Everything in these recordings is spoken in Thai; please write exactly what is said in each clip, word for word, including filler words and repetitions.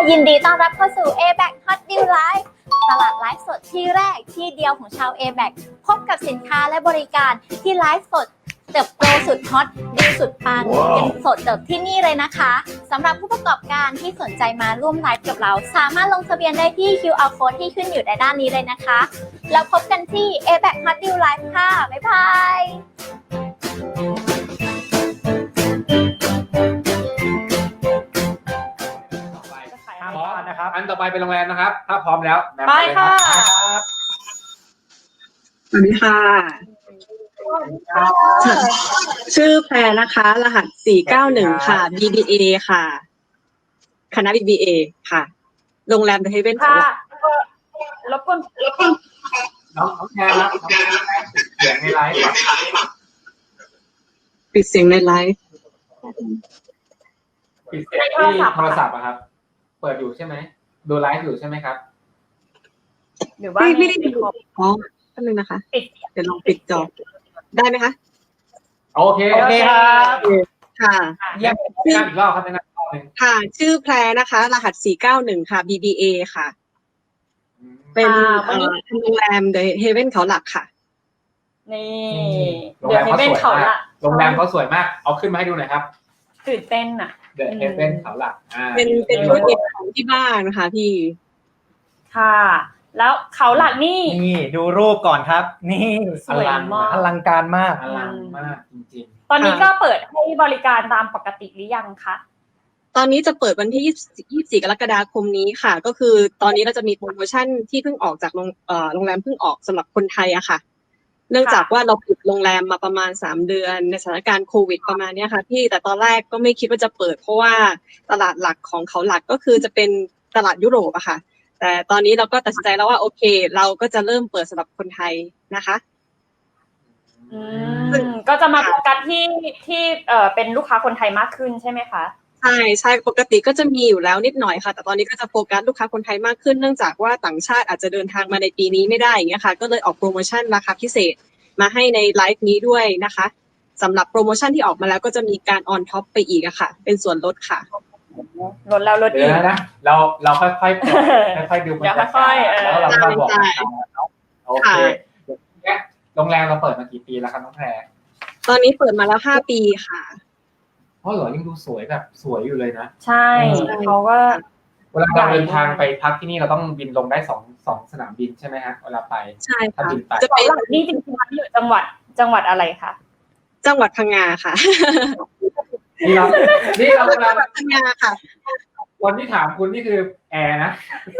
ยินดีต้อนรับเข้าสู่ เอ แบค Hot Deal Live ตลาดไลฟ์สดที่แรกที่เดียวของชาว เอ แบค พบกับสินค้าและบริการที่ไลฟ์สดเติบโตสุดฮอตดีสุดปังกันสดเติบที่นี่เลยนะคะสำหรับผู้ประกอบการที่สนใจมาร่วมไลฟ์กับเราสามารถลงทะเบียนได้ที่ คิว อาร์ Code ที่ขึ้นอยู่ในด้านนี้เลยนะคะแล้วพบกันที่ เอ แบค Hot Deal Live ค่ะบ๊ายบายพร้อมนะครับอันต่อไปเป็นโรงแรมนะครับถ้าพร้อมแล้วไปค่ะสวัสดีค่ะชื่อแพรนะคะรหัสสี่เก้าหนึ่งค่ะ บี บี เอ ค่ะคณะ บี บี เอ ค่ะโรงแรมเดอะเฮเว่นค่ะรบกวนรบกวนน้องน้องแพรครับน้องแพรปิดเสียงในไลฟ์ปิดเสียงในไลฟ์ปิดเสียงที่โทรศัพท์อะครับเปิดอยู่ใช่ไหมดูไลฟ์อยู่ใช่ไหมครับหรือว่าไม่ได้ดูอ๋อแป๊บนึงนะคะเดี๋ยวลองปิดจอได้ไหมคะโอเคโอเคครับค่ะเยี่ยมอีกรอบครับในนั้นค่ะชื่อแพรนะคะรหัสสี่เก้าหนึ่งค่ะ บี บี เอ ค่ะเป็นโรงแรมเดอะเฮเว่นเขาหลักค่ะนี่โรงแรมเขาสวยมากโรงแรมเขาสวยมากเอาขึ้นมาให้ดูหน่อยครับตื่นเต้นอ่ะเดอะเฮเว่นเขาหลักอ่าเป็นเป็นธุรกิจของที่บ้านนะคะพี่ค่ะแล้วเขาหลักนี่นี่ดูรูปก่อนครับนี่สวยมากอลังการมากอลังมากจริงๆตอนนี้ก็เปิดให้บริการตามปกติหรือยังคะตอนนี้จะเปิดวันที่ยี่สิบสี่กรกฎาคมนี้ค่ะก็คือตอนนี้เราจะมีโปรโมชั่นที่เพิ่งออกจากโรงเอ่อโรงแรมเพิ่งออกสำหรับคนไทยอะค่ะเนื่องจากว่าเราปิดโรงแรมมาประมาณสามเดือนในสถานการณ์โควิดประมาณนี้ค่ะพี่แต่ตอนแรกก็ไม่คิดว่าจะเปิดเพราะว่าตลาดหลักของเขาหลักก็คือจะเป็นตลาดยุโรปอะค่ะแต่ตอนนี้เราก็ตัดสินใจแล้วว่าโอเคเราก็จะเริ่มเปิดสำหรับคนไทยนะคะอืมก็จะมาโฟกัสที่ที่เอ่อเป็นลูกค้าคนไทยมากขึ้นใช่ไหมคะใช่ใช่ปกติก็จะมีอยู่แล้วนิดหน่อยค่ะแต่ตอนนี้ก็จะโฟกัสลูกค้าคนไทยมากขึ้นเนื่องจากว่าต่างชาติอาจจะเดินทางมาในปีนี้ไม่ได้อย่างเงี้ยค่ะก็เลยออกโปรโมชั่นราคาพิเศษมาให้ในไลฟ์นี้ด้วยนะคะสำหรับโปรโมชั่นที่ออกมาแล้วก็จะมีการออนท็อปไปอีกอะค่ะเป็นส่วนลดค่ะลดแล้วลดอีกนะเราเราค่อยๆค่อยๆดูมันค่อยๆแล้วเราก็บอกโอเคโรงแรมเราเปิดมากี่ปีแล้วครับน้องแพรตอนนี้เปิดมาแล้วห้าปีค่ะเพราะเหรอยังดูสวยแบบสวยอยู่เลยนะใช่เขาก็เวลาเราเดินทางไปพักที่นี่เราต้องบินลงได้สองสองสนามบินใช่ไหมฮะเวลาไปใช่ค่ะจะไปนี่จริงๆอยู่จังหวัดจังหวัดอะไรคะจังหวัดพังงาค่ะนี่เรานี่เราจังหวัดพังงาค่ะคนที่ถามคุณนี่คือแอร์นะ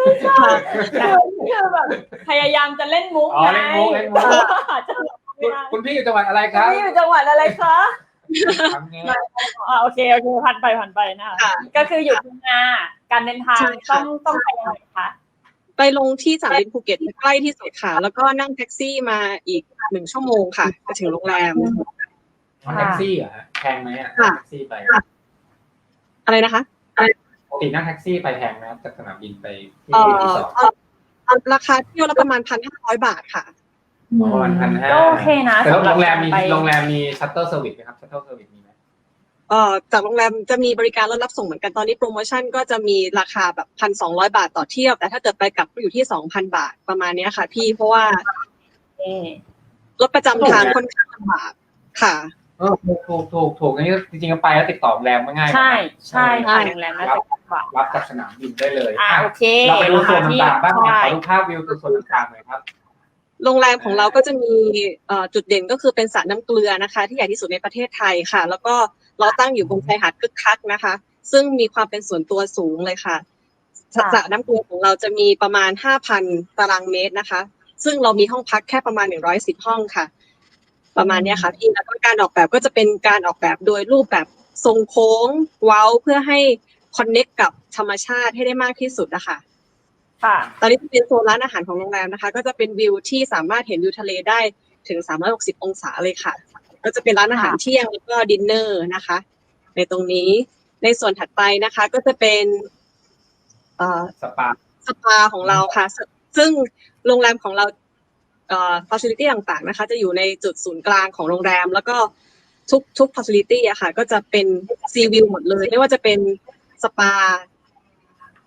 คือแบบพยายามจะเล่นมุกอ๋อเล่นมุกเล่นมุกคุณพี่อยู่จังหวัดอะไรครับพี่อยู่จังหวัดอะไรคะอ่าโอเคโอเคผ่านไปผ่านไปนะคะก็คืออยู่พังงาการเดินทางต้องต้องไปยังไงคะไปลงที่สนามบินภูเก็ตใกล้ที่สุดค่ะแล้วก็นั่งแท็กซี่มาอีกหนึ่งชั่วโมงค่ะจะถึงโรงแรมแท็กซี่เหรอแพงไหมอ่ะแท็กซี่ไปอะไรนะคะปกตินั่งแท็กซี่ไปแพงไหมจากสนามบินไปที่รีสอร์ทราคาเที่ยวละประมาณพันห้าร้อยบาทค่ะประมาณพันห้าก็โอเคนะแต่โรงแรมมีโรงแรมมีชัตเตอร์เซอร์วิสไหมครับชัตเตอร์เซอร์วิสมีไหมเอ่อจากโรงแรมจะมีบริการรถรับส่งเหมือนกันตอนนี้โปรโมชั่นก็จะมีราคาแบบพันสองร้อยบาทต่อเที่ยวแต่ถ้าเกิดไปกลับก็อยู่ที่สองพันบาทประมาณนี้ค่ะพี่เพราะว่ารถประจำทางค่อนข้างลำบากค่ะเออถูกถูกถูกถูกอันนี้จริงๆไปแล้วติดต่อโรงแรมง่ายใช่ใช่ค่ะโรงแรมน่าจะรับจากสนามบินได้เลยอ่าโอเคเราไปดูส่วนต่างๆบ้างขอดูภาพวิวส่วนต่างๆหน่อยครับโรงแรมของเราก็จะมีจุดเด่นก็คือเป็นสระน้ำเกลือนะคะที่ใหญ่ที่สุดในประเทศไทยค่ะแล้วก็เราตั้งอยู่บนชายหาดคึกคักนะคะซึ่งมีความเป็นส่วนตัวสูงเลยค่ะสระน้ำเกลือของเราจะมีประมาณ ห้าพัน ตารางเมตรนะคะซึ่งเรามีห้องพักแค่ประมาณหนึ่งร้อยสิบห้องค่ะประมาณนี้ค่ะพี่แล้วก็การออกแบบก็จะเป็นการออกแบบโดยรูปแบบทรงโค้งเว้าเพื่อให้คอนเนคกับธรรมชาติให้ได้มากที่สุดนะคะตอนนี้เป็นโซนร้านอาหารของโรงแรมนะคะก็จะเป็นวิวที่สามารถเห็นวิวทะเลได้ถึงสามร้อยหกสิบองศาเลยค่ะก็จะเป็นร้านอาหารเที่ยงแล้วก็ดินเนอร์นะคะในตรงนี้ในส่วนถัดไปนะคะก็จะเป็นเอ่อสปาสปาของเราค่ะซึ่งโรงแรมของเราเอ่อ facility ต่างๆนะคะจะอยู่ในจุดศูนย์กลางของโรงแรมแล้วก็ทุกทุก facility อะค่ะก็จะเป็นซีวิวหมดเลยไม่ว่าจะเป็นสปา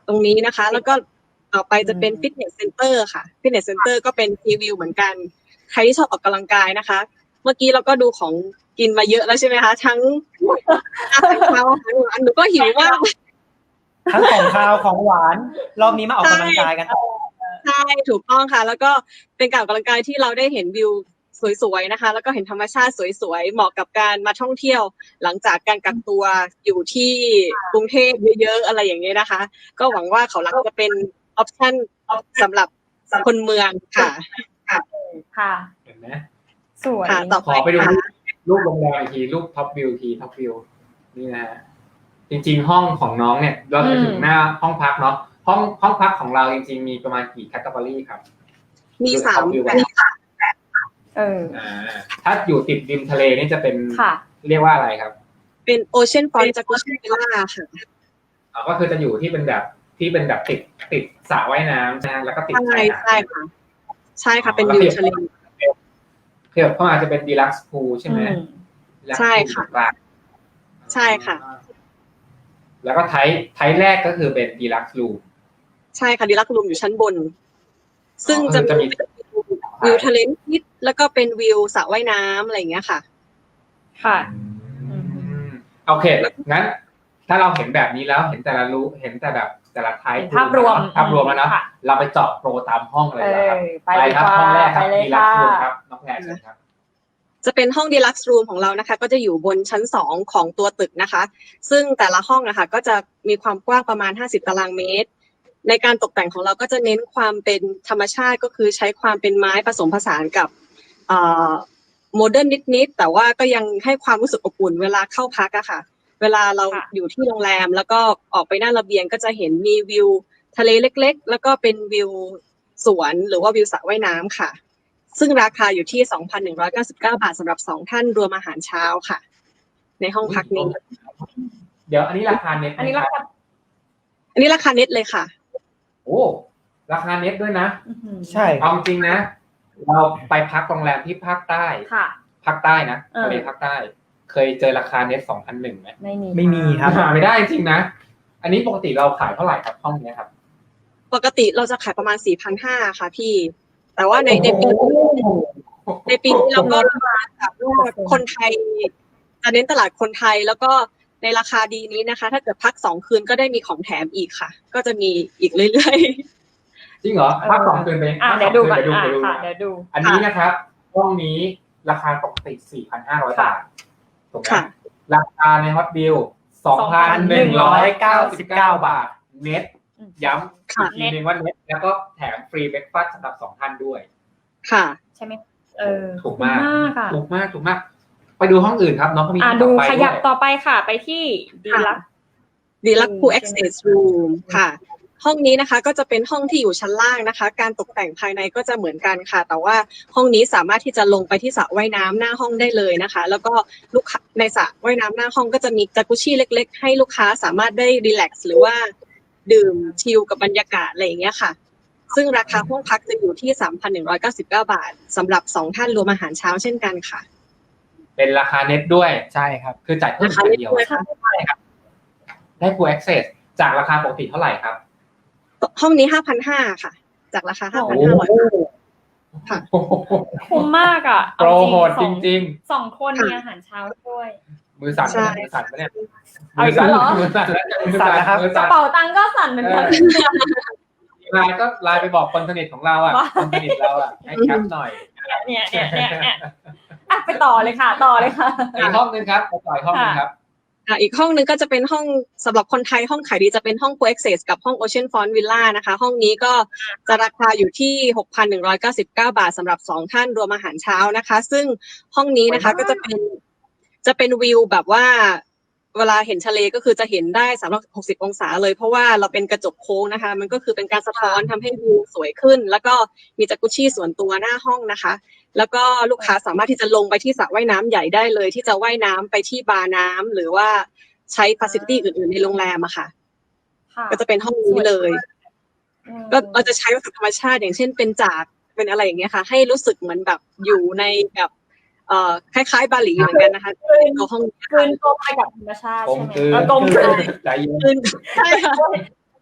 ตรงนี้นะคะ แล้วก็ต่อไปจะเป็นฟิตเนสเซ็นเตอร์ค่ะฟิตเนสเซ็นเตอร์ก็เป็นรีวิวเหมือนกันใครที่ชอบออกกำลังกายนะคะ เมื่อกี้เราก็ดูของกินมาเยอะแล้วใช่ไหมคะทั้งอาหารเช้าอาหารหวานหนูก็หิวมากทั้งของคาวของหวาน รอบนี้มาออกกำลังกายกันต่อใช่ถูกต้องค่ะ แล้วก็เป็นการออกกำลังกายที่เราได้เห็นวิวสวยๆนะคะ แล้วก็เห็นธรรมชาติสวยๆเหมาะกับการมาท่องเที่ยว หลังจากการกักตัวอยู่ที่กรุงเทพเยอะๆอะไรอย่างเงี้ยนะคะ ก็หวังว่าเขาหลักจะเป็นออปชั่นสำหรับคนเมืองค่ะค่ะเห็นไหมสวยค่ะต่อขอไปดูรูปโรงแรมอีกทีรูปท็อปวิวทีท็อปวิวนี่นะฮะจริงๆห้องของน้องเนี่ยเราจะถึงหน้าห้องพักเนาะห้องห้องพักของเราจริงๆมีประมาณกี่แคตตาล็อกครับมีสามเอออ่าถ้าอยู่ติดริมทะเลนี่จะเป็นค่ะเรียกว่าอะไรครับเป็นโอเชียนฟรอนต์จากุชิวิลล่าค่ะอ๋อก็คือจะอยู่ที่เป็นแบบที่เป็นแบบติดติดสระว่ายน้ำนะแล้วก็ติดใช่ชายหาดใช่ค่ะ ใช่ค่ะเป็นวิวทะเลเพื่อเข้ามาจะเป็นดีลักซ์พูลใช่ไหมอืม Deluxe ใช่ค่ะ pool กลางใช่ค่ะแล้วก็ไทป์ไทป์แรกก็คือเป็นดีลักซ์รูมใช่ค่ะดีลักซ์รูมอยู่ชั้นบน ซึ่งจะจะมีวิวทะเลนิดแล้วก็เป็นวิวสระว่ายน้ำอะไรอย่างเงี้ยค่ะค่ะอืมโอเคงั้น ถ้าเราเห็นแบบนี้แล้วเห็นแต่ละรู้เห็นแต่แบบแต่ละไทป์เห็นภาพรวมภาพรวมแล้วเนาะค่ะเราไปเจาะโปรตามห้องเลยเอนะครับอไปดีครักว่าห้องแรกคไปรับเลยดีลักค่ะซ์รูมครับน้องแพรเชิญครับจะเป็นห้องดีลักซ์รูมของเรานะคะ ก็จะอยู่บนชั้นสองของตัวตึกนะคะ ซึ่งแต่ละห้องนะคะก็จะมีความกว้างประมาณห้าสิบตารางเมตร ในการตกแต่งของเราก็จะเน้นความเป็นธรรมชาติก็คือใช้ความเป็นไม้ผสมผสานกับโมเดิร์นนิดๆแต่ว่าก็ยังให้ความรู้สึกอบอุ่นเวลาเข้าพักอะค่ะ เวลาเราค่ะอยู่ที่โรงแรมแล้วก็ออกไปหน้าระเบียงก็จะเห็นมีวิวทะเลเล็กๆ แล้วก็เป็นวิวสวนหรือว่าวิวสระว่ายน้ำค่ะ ซึ่งราคาอยู่ที่ สองพันหนึ่งร้อยเก้าสิบเก้า บาทสำหรับสองท่านรวมอาหารเช้าค่ะ ในห้องพักนี้เดี๋ยวอันนี้ราคาเน็ตอันนี้ราคาอันนี้ราคาเน็ตเลยค่ะโอ้ราคาเน็ตด้วยนะอื้อหือใช่เอาจริงนะ เราไปพักโรงแรมที่ภาคใต้ค่ะภาคใต้นะเออทะเลภาคใต้ เคยเจอราคาเน็ตสองพันหนึ่งไหมไม่มีไม่มีครับหาไม่ได้จริงๆนะ อันนี้ปกติเราขายเท่าไหร่ครับห้องนี้ครับปกติเราจะขายประมาณ สี่พันห้าร้อย ค่ะพี่ แต่ว่าในในปีในปีนี้เราก็มาจากว่าคนไทยจะเน้นตลาดคนไทยแล้วก็ในราคาดีนี้นะคะ ถ้าเกิดพักสองคืนก็ได้มีของแถมอีกค่ะ ก็จะมีอีกเรื่อยจริงเหรอพักสองคืนไปอ่ะพักเดี๋สยอวงดูคืนก่อนไปดูอ่ะไปดูค่ะนะเดี๋ยวดูอันนี้นะครับห้องนี้ราคาปกติ สี่พันห้าร้อย บาทถูกไหมค่ะราคาในฮอตบิล สองพันหนึ่งร้อยเก้าสิบเก้า บาท เน็ต ย้ำค่ะอีกทีนึงว่าเน็ตแล้วก็แถมฟรีเบรกฟาสต์สำหรับสองท่านด้วยๆ ค่ะใช่ไหมเออถูกมากค่ะถูกมากถูกมาก ไปดูห้องอื่นครับน้องเขามีอ่ะห้องดูต่อไปขยับด้วยต่อไปค่ะ ไปที่ดีลักดีลักซ์พูล Access Room ค่ะ ห้องนี้นะคะก็จะเป็นห้องที่อยู่ชั้นล่างนะคะ การตกแต่งภายในก็จะเหมือนกันค่ะ แต่ว่าห้องนี้สามารถที่จะลงไปที่สระว่ายน้ำหน้าห้องได้เลยนะคะ แล้วก็ลูกค้าในสระว่ายน้ำหน้าห้องก็จะมีจากุชี่เล็กๆ ให้ลูกค้าสามารถได้รีแลกซ์หรือว่าดื่มชิลกับบรรยากาศอะไรอย่างเงี้ยค่ะ ซึ่งราคาห้องพักจะอยู่ที่ สามพันหนึ่งร้อยเก้าสิบเก้า บาทสำหรับสองท่านรวมอาหารเช้าเช่นกันค่ะเป็นราคาเน็ตด้วยใช่ครับคือจ่ายเพิ่มราคาคนเล็กเดียวด้วยค่ะได้ full access จากราคาปกติเท่าไหร่ครับห้องนี้ ห้าพันห้าร้อย ค่ะ จากราคา ห้าพันห้าร้อย ค่ะโอ้โหคุ้มมากอ่ะโปรโหดจริงๆสองคนมีอาหารเช้าด้วยๆ มือสั่นใช่มือสั่นปะเนี่ยเอาอีกแล้วเหรอมือสั่นแล้วมือสั่สั่นนแล้วครับมือกระสั่นเป๋าตังค์ก็สั่นเหมือนกันไลน์ก็ไลน์ไปบอกคนสนิทของเราอ่ะว่าคนสนิทเราอ่ะให้แคปหน่อยเนี่ยเนี่ยเนี่ยเนี่ยอ่ะไปต่อเลยค่ะ ต่อเลยค่ะอีกห้องนึงครับไปต่ออีกห้องนึงครับอ่ะอีกห้องหนึงก็จะเป็นห้องสำหรับคนไทยห้องขายดีจะเป็นห้อง Co-Access กับห้อง Ocean Front Villa นะคะ ห้องนี้ก็จะราคาอยู่ที่ หกพันหนึ่งร้อยเก้าสิบเก้า บาทสำหรับสองท่านรวมอาหารเช้านะคะ ซึ่งห้องนี้นะคะก็จะเป็นจะเป็นวิวแบบว่าเวลาเห็นทะเลก็คือจะเห็นได้สามร้อยหกสิบองศาเลยเพราะว่าเราเป็นกระจกโค้งนะคะ มันก็คือเป็นการสะท้อนทำให้วิวสวยขึ้น แล้วก็มีจากุชี่ส่วนตัวหน้าห้องนะคะ แล้วก็ลูกค้าสามารถที่จะลงไปที่สระว่ายน้ำใหญ่ได้เลย ที่จะว่ายน้ำไปที่บาร์น้ำหรือว่าใช้ฟาซิลิตี้อื่นๆในโรงแรมอะค่ะค่ะก็จะเป็นห้องนี้เลยอืมก็เราจะใช้วัสดุธรรมชาติอย่างเช่นเป็นจากเป็นอะไรอย่างเงี้ยค่ะ ให้รู้สึกเหมือนแบบอยู่ในแบบเอ่อคล้ายๆบาหลีเหมือนกันนะคะในตัวห้องนี้คืนตัวไปกับธรรมชาติกลมใช่ไหมกลืนเออกลมกลืนใจเย็นคืนใช่ค่ะ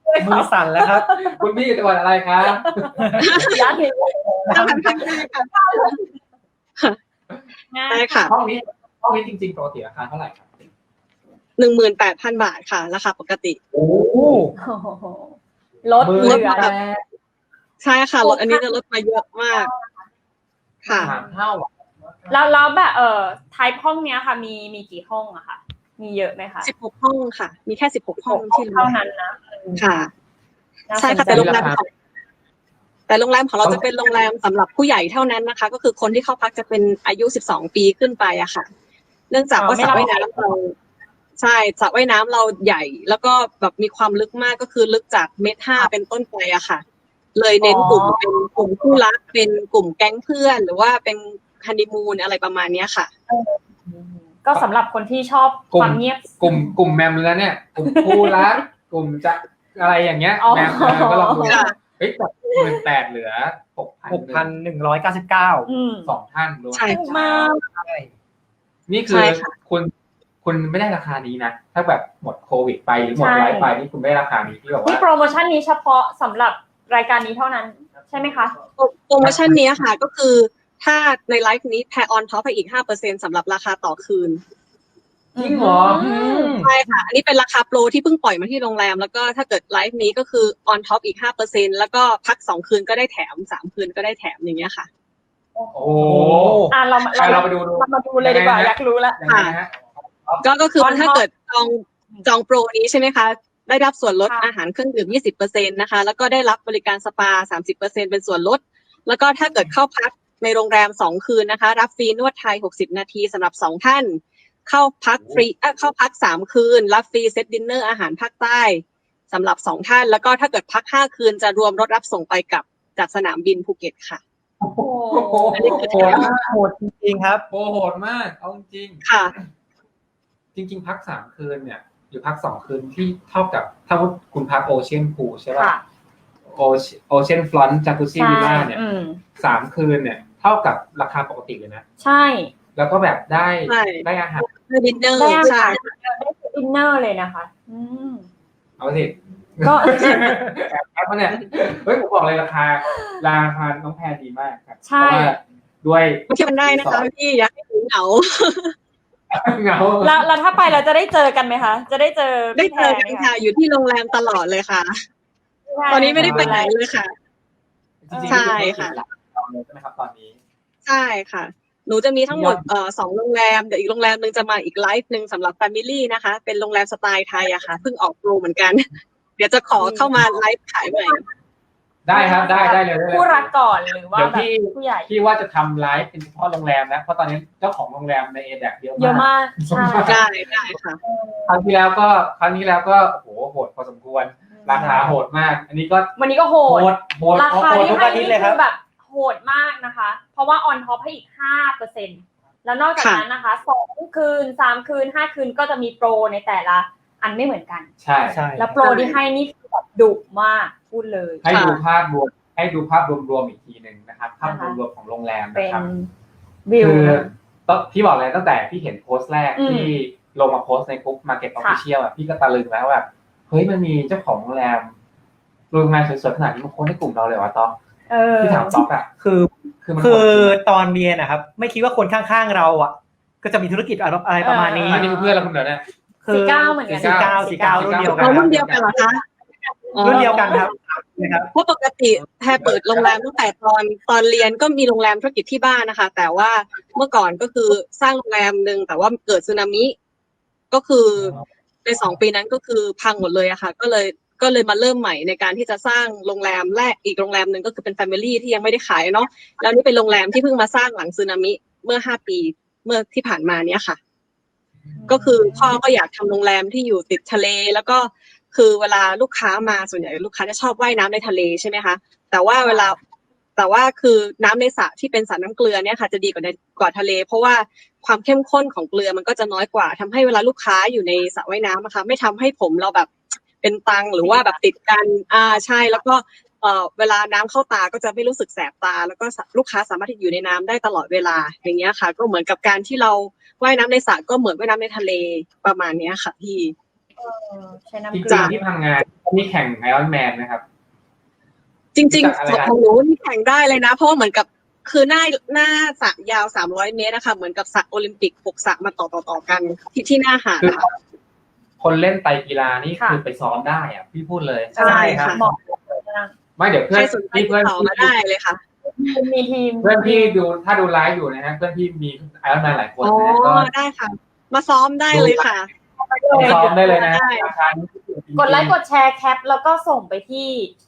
มือสั่นแล้วครับคุณพี่จังหวัดอะไรครับยากเลยถ้าพันพันได้ค่ะง่ายได้ค่ะห้องนี้ห้องนี้จริงๆปกติราคาเท่าไหร่ครับหนึ่งหมื่นแปดพันบาทค่ะราคาปกติโอ้โอ้โหลดเหลือแปดใช่ค่ะลดอันนี้จะลดมาเยอะมาก ค่ะสามเท่าอ่ะแล้วแล้วแบบเอ่อไทป์ห้องเนี้ยค่ะ มีมีกี่ห้องอะค่ะ มีเยอะไหมคะสิบหกห้องค่ะ มีแค่สิบหกห้องที่เท่านั้นนะค่ะน่าสใช่นค่ะใจแต่โรงแรมของแต่โรงแรมของเราจะเป็นโรงแรมสำหรับผู้ใหญ่เท่านั้นนะคะ ก็คือคนที่เข้าพักจะเป็นอายุสิบสองปีขึ้นไปอะค่ะ เนื่องจากว่าสระว่ายน้ำเราใช่สระว่ายน้ำเราใหญ่ แล้วก็แบบมีความลึกมากก็คือลึกจากเมตรห้าเป็นต้นไปอะค่ะ เลยเน้นกลุ่มเป็นกลุ่มคู่รักเป็นกลุ่มแก๊งเพื่อน หรือว่าเป็นฮันนีมูนอะไรประมาณเนี้ยค่ะก็สำหรับคนที่ชอบความเงียบกลุ่มกลุ่มแมมแล้วเนี่ยกลุ่มคู่รักกลุ่มจะอะไรอย่างเงี้ยอ๋อแมมเออก็ลองดูค่ะเฮ้ยจากหมื่นแปดเหลือหกพันหกพันหนึ่งร้อยเก้าสิบเก้าอืมสองท่านรวมใช่ถูกมากใช่นี่คืใช่อค่ะคุณคุณไม่ได้ราคานี้นะถ้าแบบหมดโควิดไปหรือหมดใช่ไลฟ์ไปนี่คุณไม่ได้ราคานี้ที่แบบนี่ว่าโปรโมชั่นนี้เฉพาะสำหรับรายการนี้เท่านั้น ใช่ไหมคะโปรโมชั่นนี้ค่ะ ก็คือถ้าในไลฟ์นี้แพรออนท็อปไปอีก ห้าเปอร์เซ็นต์ สำหรับราคาต่อคืนจริงเหรออืมใช่ค่ะ อันนี้เป็นราคาโปรที่เพิ่งปล่อยมาที่โรงแรม แล้วก็ถ้าเกิดไลฟ์นี้ก็คือออนท็อปอีก ห้าเปอร์เซ็นต์ แล้วก็พักสองคืนก็ได้แถมสามคืนก็ได้แถมอย่างเงี้ยค่ะโอ้โหอ่ะเรามาเราเราไปดูดูเรามาดูเลยดีกว่ายังไงนะอยากรู้แล้วยังไงนะฮะก็ก็คือ On top ถ้าเกิดจองจองโปรนี้ใช่ไหมคะ ได้รับส่วนลดค่ะอาหารเครื่องดื่ม ยี่สิบเปอร์เซ็นต์ นะคะ แล้วก็ได้รับบริการสปา สามสิบเปอร์เซ็นต์ เป็นส่วนลด แล้วก็ถ้าเกิดเข้าพักในโรงแรมสองคืนนะคะ รับฟรีนวดไทยหกสิบนาทีสำหรับสองท่าน เข้าพักฟรีเอ่อเข้าพักสามคืน รับฟรีเซตดินเนอร์อาหารภาคใต้สำหรับสองท่าน แล้วก็ถ้าเกิดพักห้าคืนจะรวมรถรับส่งไปกลับจากสนามบินภูเก็ตค่ะโอ้โหอันนี้คือโหดโหดจริงๆครับโอ้โหดมากเอาจริงค่ะจริง ๆ พักสามคืนเนี่ยหรือพักสองคืนที่เท่ากับถ้าว่าคุณพักโอเชียนพูลใช่ป่ะค่ะโอโอเชียนฟลอนต์จากุซี่วิลล่าเนี่ยอืมสามคืนเนี่ยเท่ากับราคาปกติเลยนะใช่แล้วก็แบบได้ใช่ได้อาหารดินเนอร์ได้อาใช่หารได้ดินเนอร์เลยนะคะ อืมเอาสิก็แอบแอบมาเนี่ยเฮ้ยผมบอกเลยราคาราคาน้องแพรดีมากครับใช่เพราะว่าด้วยมาเที่ยวกันได้นะคะพี่อยากให้ถึงเหงาเหงาแล้วแล้วถ้าไปเราจะได้เจอกันไหมคะ จะได้เจอได้พี่แพเจรอไหกัมนคะค่ะ อยู่ที่โรงแรมตลอดเลยค่ะ ตอนนี้ไม่ได้ไปไหนเลยค่ะจริงๆใช่ค่ะเราเลยใช่ไหมครับตอนนี้ใช่ค่ะ หนูจะมีทั้งหมดเอ่อสองโรงแรม เดี๋ยวอีกโรงแรมหนึ่งจะมาอีกไลฟ์หนึ่งสำหรับแฟมิลี่นะคะ เป็นโรงแรมสไตล์ไทยอะค่ะ เพิ่งออกโปรเหมือนกัน เดี๋ยวจะขอเข้ามาไลฟ์ขายใหม่ได้ครับได้ได้เลยได้เลยผู้รักก่อนหรือว่าเดี๋ยวแบบพี่ผู้ใหญ่พี่ว่าจะทำไลฟ์เป็นเฉพาะโรงแรมนะเพราะตอนนี้เจ้าของโรงแรมในเอเดเยอะเยอะมากมากใช่ได้ได้ค่ะครั้งที่แล้วก็ครั้งนี้แล้วก็โอ้โหโหดพอสมควร ราคาโหดมาก อันนี้ก็วันนี้ก็โหโหดดโหดราคาโหดที่ทุกให้อาทิตนี่ย์เลยคคืรับอแบบโหดมากนะคะ เพราะว่าออนท็อปให้อีกห้าเปอร์เซ็นต์แล้วนอกจากค่ะนั้นนะคะสองคืนสามคืนห้าคืนก็จะมีโปรในแต่ละอันไม่เหมือนกันใช่ใช่แล้วโปรที่ให้นี่คือแบบดุมากพูดเลยให้ดูภาพรวมให้ดูภาพรวมๆอีกทีหนึ่งนะครับภาพรวมๆของโรงแรมเป็นะนครับวิวคือนะต้องพี่บอกเลยตั้งแต่พี่เห็นโพสต์แรกอืมที่ลงมาโพสต์ในกลุ่ม Market Official อ่ะพี่ก็ตะลึงแล้วแบบเฮ้ยมันมีเจ้าของโรงแรมโรงแรมสวยๆขนาดนี้มาโพสต์ในกลุ่มเราเลยวะต๊อกเออพี่ถามต๊อกอ่ะคือคือมันคือโหดจริงตอนเรียนนะครับ ไม่คิดว่าคนข้างๆเราอ่ะ ก็จะมีธุรกิจอะไรประมาณนี้อันนี้คือเพื่อนเราคนเดียวเนี่ยคือสี่เก้าเหมือนกันสี่เก้าสี่เก้ารุ่นเดียวกันเรารุ่นเดียวกันเหรอคะรุ่นเดียวกันครับนะครับเพราะปกติแพรเปิดโรงแรมตั้งแต่ตอนตอนเรียนก็มีโรงแรมธุรกิจที่บ้านนะคะ แต่ว่าเมื่อก่อนก็คือสร้างโรงแรมหนึ่งแต่ว่าเกิดสึนามิ ก็คือในสองปีนั้นก็คือพังหมดเลยอะค่ะ ก็เลยก็เลยมาเริ่มใหม่ในการที่จะสร้างโรงแรมแรกอีกโรงแรมหนึ่งก็คือเป็นแฟมิลี่ที่ยังไม่ได้ขายเนาะแล้วนี่เป็นโรงแรมที่เพิ่งมาสร้างหลังสึนามิเมื่อห้าปีเมื่อที่ผ่านมาเนี้ยค่ะ ก็คือพ่อก็อยากทำโรงแรมที่อยู่ติดทะเล แล้วก็คือเวลาลูกค้ามาส่วนใหญ่ลูกค้าจะชอบว่ายน้ำในทะเลใช่ไหมคะแต่ว่าเวลาแต่ว่าคือน้ำในสระที่เป็นสระน้ำเกลือเนี่ยค่ะจะดีกว่าในกว่าทะเล เพราะว่าความเข้มข้นของเกลือมันก็จะน้อยกว่าทำให้เวลาลูกค้าอยู่ในสระว่ายน้ำนะคะไม่ทำให้ผมเราแบบเป็นตังหรือว่าแบบติดกันอ่าใช่แล้วก็เอ่อเวลาน้ำเข้าตาก็จะไม่รู้สึกแสบตา แล้วก็ลูกค้าสามารถที่อยู่ในน้ำได้ตลอดเวลาอย่างเงี้ยค่ะ ก็เหมือนกับการที่เราว่ายน้ำในสระก็เหมือนว่ายน้ำในทะเลประมาณเนี้ยค่ะพี่โอใช้น้ำจเกลืริงอๆที่พังงานมีแข่งไอรอนแมนนะครับจริงรู้จักอะไรๆนะของหนูนี่แข่งได้เลยนะ เพราะว่าเหมือนกับคือหน้าหน้าสระยาวสามร้อยเมตรนะคะเหมือนกับสระโอลิมปิกหกสระมาต่อต่อต่อกันที่ที่หน้าหาดคือนะคะคนเล่นไตรกีฬานี่ค่ะคือไปซ้อมได้อะพี่พูดเลยใช่ค่ะเหมาะไม่เดี๋ยวใคเพื่รอนสนใจพี่ติดเพื่อนต่อมาได้เลยค่ะมีทีมเพื่อนพี่ดูถ้าดูไลฟ์อยู่นะฮะเพื่อนพี่มีไอรอนแมนหลายคนอ๋อนะก็ได้ค่ะ มาซ้อมได้เลยค่ะไปซ้อมได้เลยนะได้ราคานี้คือจริงๆกดไลค์กดแชร์แคปแล้วก็ส่งไปที่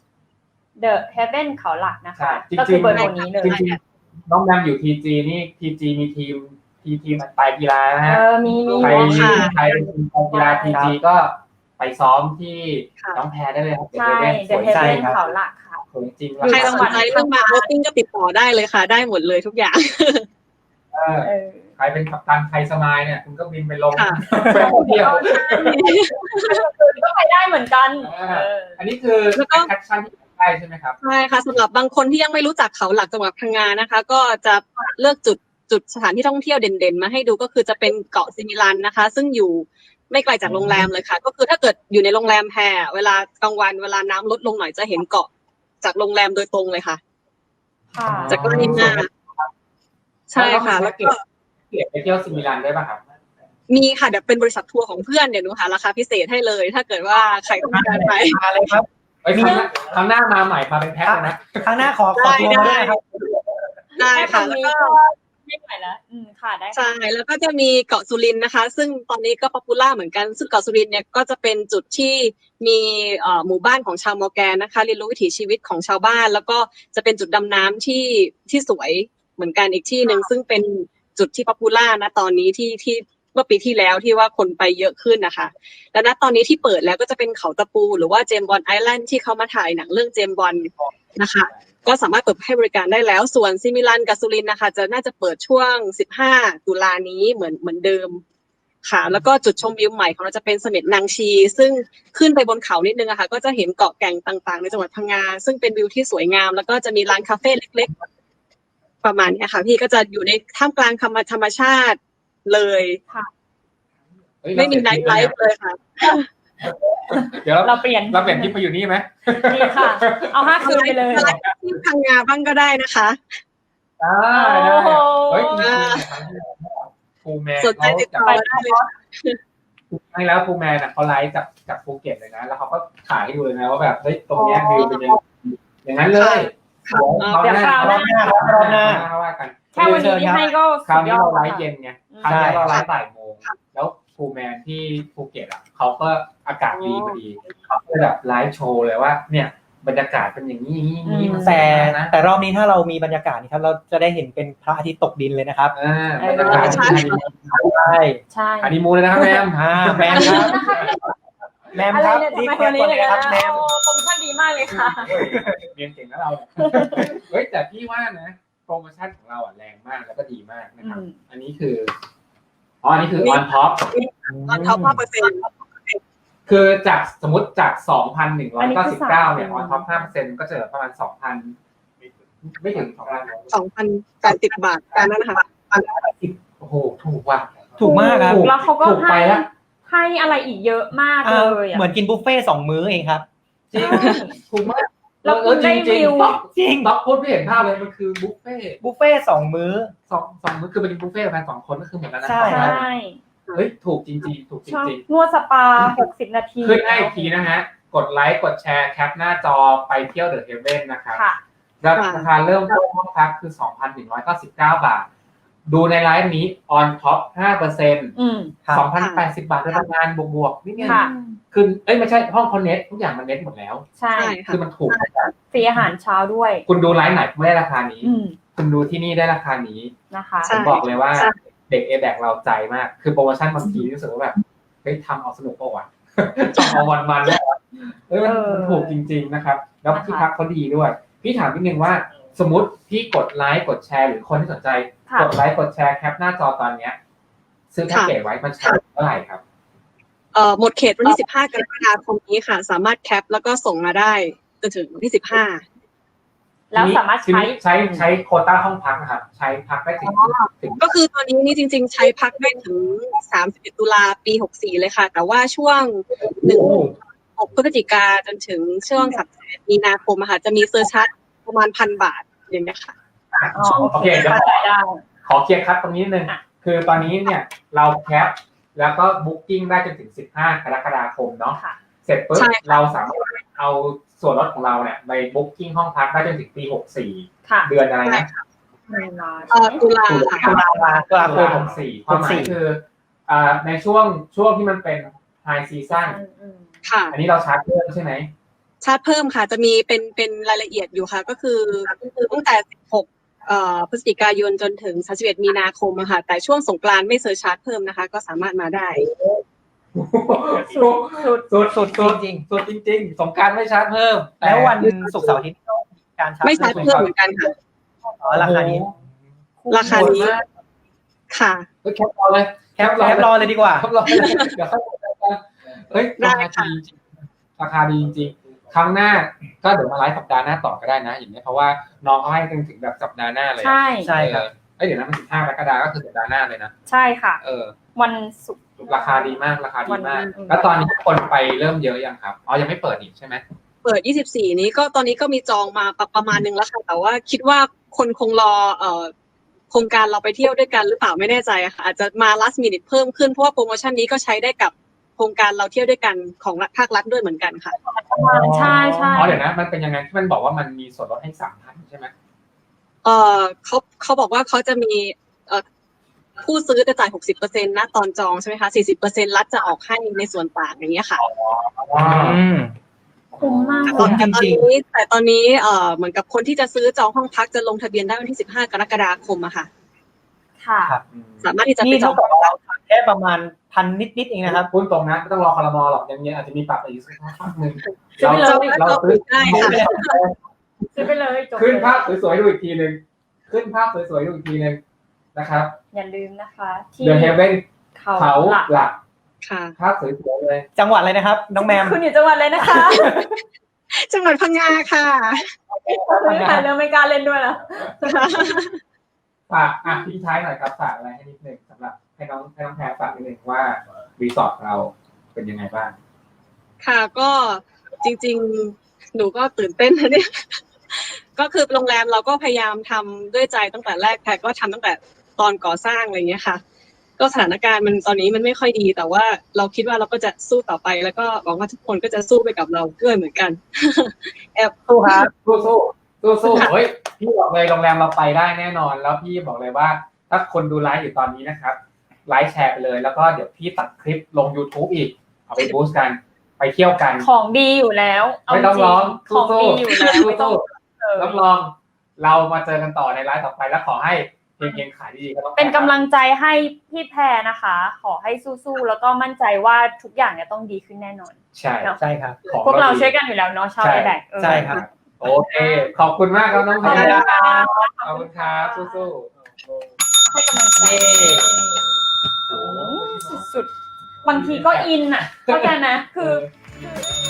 The Heaven เขาหลักนะคะใช่จริงๆก็คือเบอร์โทรนี้เลยจริงๆน้องแมมอยู่ทีจีนี่ทีจีมีทีมทีทีมไตรกีฬานะเอฮะอมีมีใครค่ะใครเป็นทีมกีฬาทีจีก็ไปซ้อมที่ค่ะน้องแพรได้เลยครับใช่เดี๋ยว The เล่นสวย Heaven ครับเขาหลักค่ะสวยจริงใครสนใจเรื่องมาโรติ้งก็ติดต่อได้เลยค่ะ ได้หมดเลยทุกอย่างเออเออใครเป็นกัปตันไทยสมายเนี่ยคุณก็บินไปลงค่ะไปเที่ยวก็ไปได้เหมือนกันเออเอออันนี้คือแล้วก็แอคชั่นที่ได้ใช่ไหมครับใช่ค่ะสำหรับบางคนที่ยังไม่รู้จักเขาหลักจังหวัดพังงานะคะ ก็จะเลือกจุดจุดสถานที่ท่องเที่ยวเด่นๆมาให้ดูก็คือจะเป็นเกาะซิมิลันนะคะ ซึ่งอยู่ไม่ไกลจากโรงแรมเลยค่ะ ก็คือถ้าเกิดอยู่ในโรงแรมแพรเวลากลางวันเวลาน้ำลดลงหน่อยจะเห็นเกาะจากโรงแรมโดยตรงเลยค่ะค่ะจากก็ริมหน้าใช่ค่ะ แล้วก็เก็บไปเที่ยวซิมิลันด้วยป่ะครับมีค่ะเดี๋ยวเป็นบริษัททัวร์ของเพื่อนเดี๋ยวหนูหาราคาพิเศษให้เลย ถ้าเกิดว่าใครต้องการไปมาเลยครับไอ้ยครั้งหน้าครั้งหน้ามาใหม่มาเป็นแพ็คเลยนะครั้งหน้าขอขอตัวมาด้วยนะครับได้แค่ค่ะคำแล้วนี้ก็ก็ไม่ไหวแล้วอืมค่ะได้ค่ะใช่แล้วก็จะมีเกาะสุรินทร์นะคะ ซึ่งตอนนี้ก็ป๊อปปูล่าเหมือนกันซึ่งเกาะสุรินทร์เนี่ยก็จะเป็นจุดที่มีเอ่อหมู่บ้านของชาวมอร์แกนนะคะเรียนรู้วิถีชีวิตของชาวบ้าน แล้วก็จะเป็นจุดดำน้ำที่ที่สวยเหมือนกันอีกที่หนึ่งซึ่งเป็นจุดที่ป๊อปปูล่านะตอนนี้ที่ที่เมื่อปีที่แล้วที่ว่าคนไปเยอะขึ้นนะคะและณตอนนี้ที่เปิดแล้วก็จะเป็นเขาตะปูหรือว่าเจมส์บอนด์ไอแลนด์ที่เขามาถ่ายหนังเรื่องเจมส์บอนด์นะคะ ก็สามารถเปิดให้บริการได้แล้วส่วนซิมิลันกับสุรินทร์นะคะจะน่าจะเปิดช่วงสิบห้าตุลานี้เหมือนเหมือนเดิมค่ะแล้วก็จุดชมวิวใหม่ของเราจะเป็นเสม็ดนางชี ซึ่งขึ้นไปบนเขานิดนึงอะค่ะก็จะเห็นเกาะแก่งต่างๆในจังหวัดพังงาซึ่งเป็นวิวที่สวยงามแล้วก็จะมีร้านคาเฟ่เล็กๆประมาณเนี้ยค่ะพี่ก็จะอยู่ในท่ามกลางธรรมธรรมชาติเลยเฮ้ยไม่มีไนเราท์เปลี่ยนไลฟ์เลยค่ะเดี๋ยวเราเราเปลี่ยนเราเปลี่ยนที่มาอยู่นี่ไหมดีค่ะ เอาห้าคืนไปเลยไลฟ์ที่พังงาบ้างก็ได้นะคะได้ได้โอ้โหเฮ้ยจริงๆครูแมนสนใจติดต่อได้เลยค่ะครั้งแล้วครูแมนอ่ะเขาไลฟ์จากจากภูเก็ตเลยนะ แล้วเขาก็ถ่ายให้ดูเลยนะว่าแบบเฮ้ยตรงเนี้ยวิวเป็นยังไงอย่างนั้นเลยค่ะเดี๋ยวคราวหน้ารอบหน้าว่ากันแค่วันนี้ที่ให้ก็คราวสุดยนี้อดเราไลแล้วฟ์ค่ะเย็นไงอืมคราวนี้เราไลฟ์บ่ายโมงแล้วครูแมนที่ภูเก็ตอ่ะเขาก็อากาศดีพอดีเขาก็แบบไลฟ์โชว์เลยว่า เนี่ยบรรยากาศเป็นอย่างนี้อย่างนี้มันแต่นะแต่รอบนี้ถ้าเรามีบรรยากาศนี่ครับเราจะได้เห็นเป็นพระอาทิตย์ตกดินเลยนะครับอ่าบรรยากาศใช่ใช่ใช่ฮันนีมูนเลยนะครับแมมอ่าแมมครับแมมอะไรครับเนี่ยรีบทำไมเปิวัดนนี้ก่อนเลเลย ยนะครับแมมโอ้โปรโมชั่นดีมากเลยค่ะเรียนเก่งนะเราเนี่ยเฮ้ยแต่พี่ว่านะโปรโมชั่นของเราอ่ะแรงมากแล้วก็ดีมากนะครับอืมอันนี้คืออ๋ออันนี้คือ on top ตอนเขาห้าเปอร์เซ็นต์คือจากสมมติจาก สองพันหนึ่งร้อัอยนนี้เก้าคืสิอบเก้าสามเนี่ย on top ห้าเปอร์เซ็นต์ก็จะเหลือประมาณ สองพัน ไม่ถึงสองพันสองพันแปดสิบบาทการนั้นนะคะโอ้โหถูกว่ะถูกมากครับถูกแล้วเขาก็ถูกไปให้แล้วให้อะไรอีกเยอะมากอ่าเลยอ่ะเหมือนกินบุฟเฟ่ต์สองมื้อเองครับจริงถูกมากแล้วคุณได้จริงวิวๆต๊อกจริงต๊อกพูดไม่เห็นภาพเลยมันคือบุฟเฟ่ต์บุฟเฟ่ต์สองมื้อสองสองมื้อคือเป็นบุฟเฟ่ต์กันสองคนก็คือหมดแล้วนะใช่ใช่เฮ้ยถูกจริงๆถูกจชอบริงนวดสปาหกสิบนาทีๆขึ้นให้อีกทีนะฮะกดไลค์กดแชร์แคปหน้าจอไปเที่ยวเดอะเฮเว่นนะครับค่ะราคาเริ่มต้นห้องพักคือ สองพันหนึ่งร้อยเก้าสิบเก้า บาท ดูในไลฟ์นี้ on top ห้าเปอร์เซ็นต์อืมครับสองพันแปดสิบบาทโดยประมาณบวกๆนี่ไงค่ะคือเอ้ยไม่ใช่ห้องคอนเน็ตทุกอย่างมันเน็ตหมดแล้วใช่ใช่ค่ะคือมันถูกฟรีอาหารเช้าด้วยคุณดูไลฟ์ไหนไม่ได้ราคานี้อืมคุณดูที่นี่ได้ราคานี้นะคะใช่ผมบอกเลยว่าใช่เด็กเอแบกเราใจมาก คือโปรโมชั่นบางทีรู้สึกว่าแบบเฮ้ยทำเอาสนุกเปล่าวะ ทำเอาวันมันๆแล้วเฮ้ยมันเออมันถูกจริง ๆนะครับ แล้วนะคะที่พักเขาดีด้วย พี่ถามนิดนึงว่า สมมติพี่กดไลค์กดแชร์หรือคนที่สนใจค่ะกดไลค์กดแชร์แคปหน้าจอตอนเนี้ยซื้อแพ็กเกจไว้มันใช้เท่าไหร่ครับเอ่อหมดเขตวันที่สิบห้ากรกฎาคมนี้ค่ะ สามารถแคปแล้วก็ส่งมาได้จนถึงวันที่สิบห้าแล้วสามารถใช้ใช้ใช้โควต้าห้องพักนะครับใช้พักได้ถึงถึงก็คือตอนนี้นี่จริง ๆ ใช้พักได้ถึงสามสิบเอ็ดตุลาปีหกสี่เลยค่ะ แต่ว่าช่วงหนึ่งหกพฤศจิกาจนถึงช่วงสามสิบเอ็ดมีนาคมอะค่ะจะมีเซอร์ชัดประมาณพันบาทอย่างเงี้ยค่ะอ๋อโอโอเคเคเดี๋ยวเข้าใจได้ขอเคลียร์คัดตรงนี้นิดนึงอ่ะคือตอนนี้เนี่ยเราแคปแล้วก็บุ๊กิ้งได้จนถึงสิบห้ากรกฎาคมเนาะค่ะเสร็จปุ๊บใช่ค่ะเราสามารถเอาส่วนลดของเราเนี่ยไปบุ๊กิ้งห้องพักได้จนถึงปีหกสี่ค่ะเดือนอะไรนะไม่มาเอ่อตุลาตุค่ะลาตุลาตุลาคเดือนมหกสี่ความหมายคืออ่าในช่วงช่วงที่มันเป็นไฮซีซั่นอืมอืมค่ะอันนี้เราชาร์จเพิ่มใช่ไหมชาร์จเพิ่มค่ะจะมีเป็นเป็นรายละเอียดอยู่ค่ะ ก็คือตั้งแต่สิบหกเอ่อพฤศจิกายนจนถึงสามสิบเอ็ดมีนาคมอะค่ะแต่ช่วงสงกรานต์ไม่เซอร์ชาร์จเพิ่มนะคะ ก็สามารถมาได้สุดสุดสุดสุดสุดจริงสุดจริงๆสงกรารไม่ชาร์จเพิ่มๆแล้ววันศุกร์เสาร์อาทิตย์ก็มีการชาร์จไม่ชาร์จเพิ่มเหมือนกันค่ะอ๋อราคานี้ราคานี้ ค่ะเฮ้ยแคปรอเลยแคปแคปรอเลยดีกว่าแคปรอเลยเดี๋ยวค่อยกันเฮ้ยได้ราคาค่ะดีจริงราคาดีจริงๆครั้งหน้าก็เดี๋ยวมาไลฟ์สัปดาห์หน้าต่อก็ได้นะอย่างนี้ยเพราะว่าน้องเขาให้กันถึงแบบสัปดาห์หน้าเลยอะใช่ใช่ครับเออเอ้ยเดี๋ยวนะมันสิบห้ากรกฎาคมก็คือสัปดาห์หน้าเลยนะใช่ค่ะเออวันศุกร์ราคาดีมากราคาดีมากวันอืมแล้วตอนนี้คนไปเริ่มเยอะยังครับอ๋อยังไม่เปิดอีกใช่ไหมเปิดยี่สิบสี่นี้ก็ตอนนี้ก็มีจองมาประประมาณนึงแล้วค่ะ แต่ว่าคิดว่าคนคงรอเอ่อโครงการเราไปเที่ยวด้วยกันหรือเปล่าไม่แน่ใจอะค่ะอาจจะมา last minute เพิ่มขึ้นเพราะว่าโปรโมชั่นนี้ก็ใช้ได้กับโครงการเราเที่ยวด้วยกันของภาครัฐด้วยเหมือนกันค่ะใช่ใช่อ๋อเดี๋ยวนะมันเป็นยังไงที่มันบอกว่ามันมีส่วนลดให้สามพันใช่ไหมเอ่อเขาเขาบอกว่าเขาจะมีเอ่อผู้ซื้อจะจ่ายหกสิบเปอร์เซ็นต์นะตอนจองใช่ไหมคะสี่สิบเปอร์เซ็นต์รัฐจะออกให้ในส่วนต่างอย่างเงี้ยค่ะอืมคุ้มมากคุ้มแต่ตอนจริงนี้แต่ตอนนี้เอ่อเหมือนกับคนที่จะซื้อจองห้องพักจะลงทะเบียนได้วันที่สิบห้ากรกฎาคมอะค่ะค่ะครับสามารถที่จะไปนี่จเท่าองกับเราแค่ประมาณพันนิดๆเองนะครับพูดตรงนะไม่ต้องรอคอรมอหรอกยังยังอาจจะมีปรับอีกสักพักหนึ่งซื้อไปเลยเราซื้อได้ค่ะซื้อไปเลยจบขึ้นเลยภาพสวยๆดูอีกทีหนึ่งขึ้นภาพสวยๆดูอีกทีหนึ่งนะครับอย่าลืมนะคะ ที่เดอะเฮเว่นเขาเขาหลักหลักค่ะภาพสวยๆเลยจังหวัดอะไรนะครับ น้องแมมคุณอยู่จังหวัดเลยนะคะจังหวัดพังงาค่ะไม่ถ่ายเรื่องไม่กล้าเล่นด้วยแล้วฝากอ่ะทิ้งท้ายหน่อยครับฝากอะไรให้นิดนึงสำหรับให้น้องให้น้องแพรฝากนิดนึงว่ารีสอร์ทเราเป็นยังไงบ้างค่ะก็จริงๆ หนูก็ตื่นเต้นนะเนี่ย ก็คือโรงแรมเราก็พยายามทำด้วยใจตั้งแต่แรกแพรก็ทำตั้งแต่ตอนก่อสร้างอะไรอย่างเงี้ยค่ะ ก็สถานการณ์มันตอนนี้มันไม่ค่อยดี แต่ว่าเราคิดว่าเราก็จะสู้ต่อไป แล้วก็หวังว่าทุกคนก็จะสู้ไปกับเราด้วยเหมือนกัน แอบสู้ครับสู้สู้สู้สู้เฮ้ยพี่บอกเลยโรงแรมเราไปได้แน่นอน แล้วพี่บอกเลยว่า ถ้าคนดูไลฟ์อยู่ตอนนี้นะครับไลฟ์แชร์ไปเลย แล้วก็เดี๋ยวพี่ตัดคลิปลง YouTube อีกเอาไปบูสต์กันไปเที่ยวกันของดีอยู่แล้วเาไม่ต้องจร้องของสู้ดีอยู่แล้วสู้ไม่ต้องสู้เออรับรองเรามาเจอกันต่อในไลฟ์ต่อไปแล้วขอให้เพลงเพลงขายดีๆก็ต้องเป็นกำลังใจให้พี่แพรนะคะ ขอให้สู้ๆแล้วก็มั่นใจว่าทุกอย่างเนี่ยต้องดีขึ้นแน่นอนใช่ใช่ครับของพวกเราดีช่วยกันอยู่แล้วเนาะชาวใช่ไอแบกใช่ครับโอเคขอบคุณมากครับน้องแพรขอบคุณครับสู้ๆให้กำลังใจเย้สุดๆบางทีก็อินอ่ะเข้าใจนะคือเออ